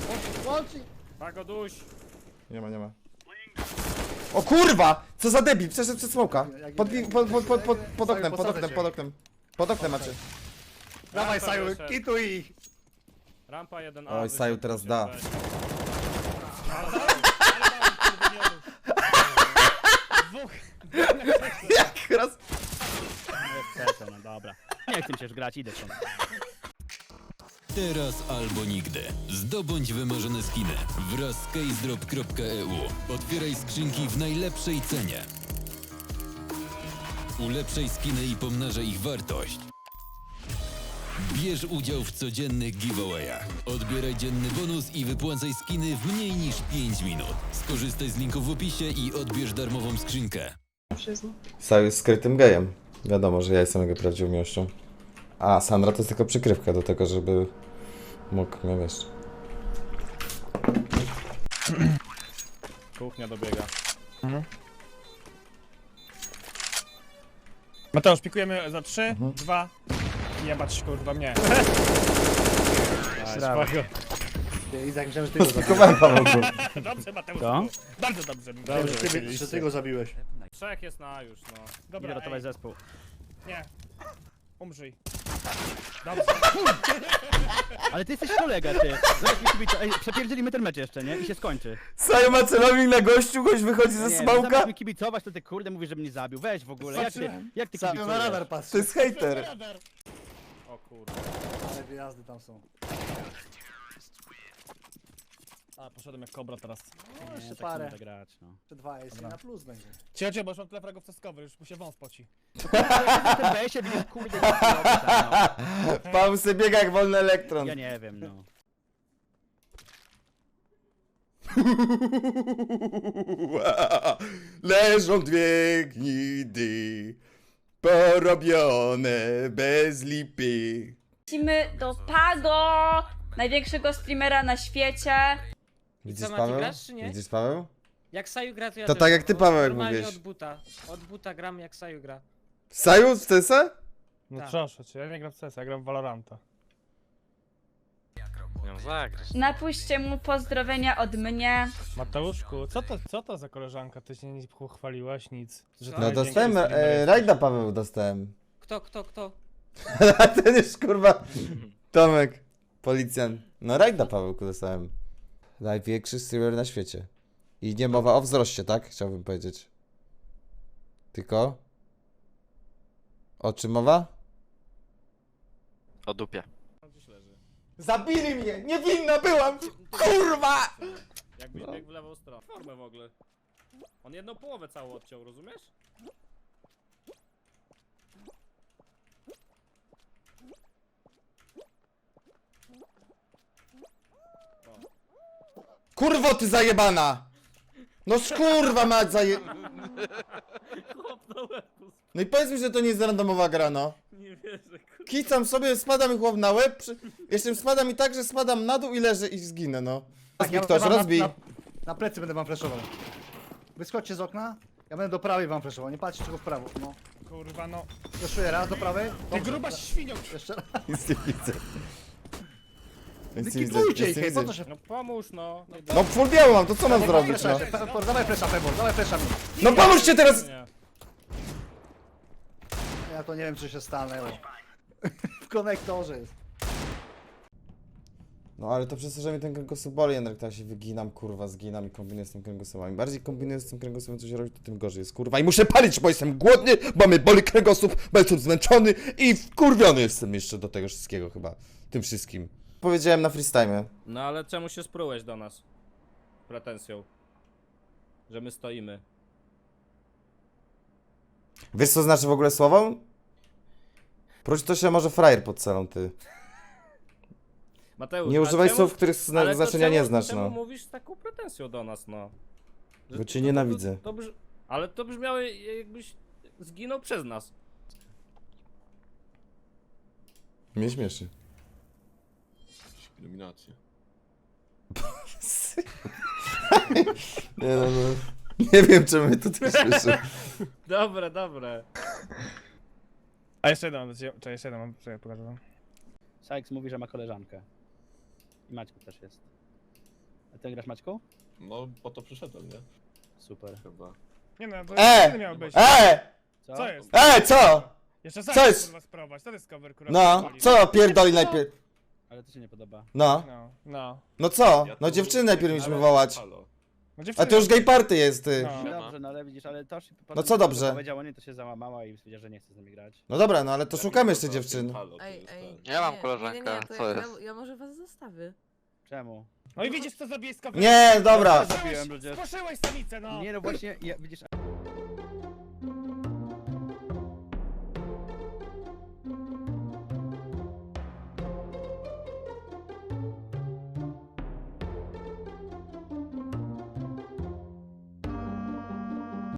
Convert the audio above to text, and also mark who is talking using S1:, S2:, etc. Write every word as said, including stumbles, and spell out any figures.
S1: Łączy!
S2: Pago duś!
S3: Nie ma, nie ma. O kurwa! Co za debil, przeszedł przez smoka. Pod, pod, pod, pod, pod, pod oknem, pod oknem, pod oknem. Pod oknem macie.
S1: Dawaj
S2: Rampa
S1: Saju,
S2: wyszedł.
S1: kituj ich!
S2: Rampa jeden A.
S3: Oj,
S2: wyszedł,
S3: Saju teraz da.
S2: weź. Ale dał, ale dał, kurde, nie mów. Dwóch.
S3: Jak raz...
S4: Chcę, no dobra. Nie chcę się już grać, idę stąd.
S5: Teraz albo nigdy. Zdobądź wymarzone skiny wraz z casedrop kropka e u. Otwieraj skrzynki w najlepszej cenie. Ulepszaj skiny i pomnażaj ich wartość. Bierz udział w codziennych giveawayach. Odbieraj dzienny bonus i wypłacaj skiny w mniej niż pięć minut. Skorzystaj z linku w opisie i odbierz darmową skrzynkę.
S3: Saju jest skrytym gejem. Wiadomo, że ja jestem jego prawdziwą miłością. A Sandra to jest tylko przykrywka do tego, żeby mógł mnie wiesz.
S2: Kuchnia dobiega.
S6: Mateusz, pikujemy za trzy, dwa, jebać kurwa mnie.
S4: Brawo.
S1: Izak, myślałem, że ty go zabiłeś.
S3: Kupowałem Pawełku.
S6: Dobrze Mateusz,
S4: Co?
S6: bardzo dobrze.
S1: Myślałem, że ty, że ty go zabiłeś.
S2: Trzech jest na A już, no.
S4: Idę
S6: Dobra,
S4: ratować
S6: ej,
S4: zespół.
S6: nie. Umrzyj. Dobrze.
S4: Ale ty jesteś kolega, ty. Zobacz mi kibica. Ej, przepierdzielimy ten mecz jeszcze, nie? I się skończy.
S3: Saju ma celownik na gościu, gość wychodzi ze
S4: Nie,
S3: smoka.
S4: zamiast mi kibicować, to ty kurde mówisz, że mnie zabił. Weź w ogóle, jak ty, jak ty
S1: Saju na
S4: kibicujesz?
S1: radar
S3: To
S1: patrzy.
S3: jest hejter.
S2: O kurde.
S1: Ale wyjazdy tam są.
S6: A, poszedłem jak kobra teraz.
S1: No,
S4: Nie,
S1: jeszcze
S4: tak
S1: parę.
S4: nie da grać, no.
S1: Jeszcze dwa, jest na plus będzie.
S6: Ciecie, bo już mam tyle fragów ceskowych, już mu się wąs poci.
S4: Na tym B-sie widzisz, kurde, jak to robi tam, no.
S3: Paweł sobie biega jak wolny elektron.
S4: Ja nie wiem, no.
S3: Leżą dwie gnidy, porobione bez lipy.
S7: Lecimy do Pago, największego streamera na świecie.
S3: Widzisz
S8: co, Mati,
S3: Paweł?
S8: grasz, czy nie?
S3: Widzisz Paweł?
S8: Jak Saju gra, to ja
S3: To
S8: też
S3: tak jak
S8: gram.
S3: ty, Paweł, jak
S8: Normalnie
S3: mówiłeś.
S8: od buta. Od buta gram jak Saju gra.
S3: Saju w C S a?
S6: No
S8: Tak.
S6: proszę cię, ja nie gram w C S, ja gram w Valoranta.
S7: Napuśćcie mu pozdrowienia od mnie.
S6: Mateuszku, co to, co to za koleżanka? Ty się nie pochwaliłaś, nic. Że
S8: No
S6: to
S3: No
S6: największy
S3: dostałem,
S6: streamer
S3: e,
S6: jest.
S3: rajda Paweł dostałem.
S8: Kto, kto, kto?
S3: A ten już kurwa, Tomek, policjant. No rajda Pawełku dostałem. Największy streamer na świecie. I nie mowa o wzroście, tak? Chciałbym powiedzieć. Tylko? O czym mowa?
S9: O dupie.
S2: Gdzieś leży.
S3: Zabili mnie! Niewinna byłam! Kurwa!
S2: Jakbyś
S3: No.
S2: biegł w lewą stronę. Formę w ogóle. On jedną połowę całą odciął, rozumiesz?
S3: Kurwo ty zajebana! No skurwa mać zaje...
S2: Chłop na łeb,
S3: No i powiedz mi, że to nie jest randomowa gra, no.
S2: nie wierzę, kurde.
S3: Kicam sobie, spada mi chłop na łeb, przy... jeszcze spada mi tak, że spadam na dół i leżę i zginę, no. Rozbij ktoś,
S1: wam na-
S3: rozbij.
S1: Na, na plecy będę wam flashował. Wyskoczcie z okna, ja będę do prawej wam flashował, nie patrzcie tylko w prawo. No.
S6: Kurwa no.
S1: Flashuję raz do prawej.
S6: Ty
S1: Dobrze,
S6: gruba
S1: teraz
S6: świnio!
S1: Jeszcze raz.
S3: Nic nie widzę. Nic nie widzę,
S1: Kitujcie
S3: nic nie
S1: ich, po
S3: widzę.
S1: co się...
S2: No pomóż no. no.
S3: No full biało mam, to co mam
S1: Dawaj
S3: zrobić,
S1: flesza,
S3: no?
S1: jeszcze, Pe- Dawaj flesza, Pebor, dawaj flesza mi.
S3: No pomóżcie teraz!
S2: Nie.
S1: Ja to nie wiem, czy się stanęło. W konektorze jest.
S3: No ale to przez to, że mi ten kręgosłup boli, jednak tak się wyginam, kurwa, zginam i kombinuję z tym kręgosłupem. Im bardziej kombinuję z tym kręgosłupem, co się robi, to tym gorzej jest, kurwa. I muszę palić, bo jestem głodny, bo mnie boli kręgosłup, bo jestem zmęczony i wkurwiony jestem jeszcze do tego wszystkiego chyba. Tym wszystkim. Powiedziałem na freestyle.
S2: No ale czemu się sprułeś do nas? Pretensją. Że my stoimy.
S3: Wiesz co znaczy w ogóle słowo? Prócz to się może frajer pod celą, ty.
S2: Mateusz,
S3: Nie
S2: a
S3: używaj
S2: czemu-
S3: słów, których zna
S2: ale to
S3: znaczenia
S2: czemu-
S3: nie znasz,
S2: czemu
S3: no.
S2: mówisz z taką pretensją do nas, no? Że
S3: Bo
S2: to-
S3: cię
S2: to-
S3: nienawidzę.
S2: To, to brz... Ale to brzmiało jakbyś zginął przez nas.
S3: Mnie śmieszy.
S9: Iluminacja.
S3: Nie no, no. Nie wiem, czemu mnie to tak śmieszy.
S2: Dobre, dobre.
S6: A jeszcze jeden mam do ciebie, czekaj, jeszcze jeden mam, czekaj, pokażę wam.
S4: Sykes mówi, że ma koleżankę. I Maćku też jest. A ty grasz Maćku?
S10: No, po to przyszedłem, nie?
S4: Super.
S10: Chyba.
S6: Nie no, to
S3: E!
S6: nie miał być.
S3: E!
S4: Co?
S6: Co jest?
S3: E, co?
S6: Jeszcze
S3: Co
S6: co
S3: jest?
S6: kurwa spróbować, to jest cover kurwa.
S3: No,
S6: pierdoli.
S3: co pierdoli najpierw?
S4: Ale to się nie podoba.
S3: No,
S6: No, no.
S3: no co?
S10: Ja
S3: No
S10: tu-
S3: dziewczyny najpierw mieliśmy
S10: Ale-
S3: wołać.
S10: Halo.
S6: No
S3: A
S6: dziewczyny-
S3: to już gay party jest, ty.
S6: No.
S4: Dobrze, no ale widzisz, ale to się
S3: No co dobrze?
S4: powiedziała nie, to się załamała i stwierdziła, że nie chce z nami grać.
S3: No dobra, no ale to
S10: Ja
S3: szukamy
S10: nie
S3: jeszcze
S10: wiem,
S3: dziewczyn.
S10: halo, to
S11: Ej,
S10: jest
S11: ej.
S10: ten.
S9: Ja mam
S11: nie,
S9: koleżankę,
S11: nie, nie, to
S9: co
S11: ja,
S9: jest?
S11: Ja, ja może was zostawię.
S4: Czemu?
S6: No i widzisz co zrobiłeś z coverem?
S3: Nie, dobra.
S4: Zabiłem ludzie.
S6: Spłoszyłeś samicę, no!
S4: Nie no właśnie, ja, widzisz,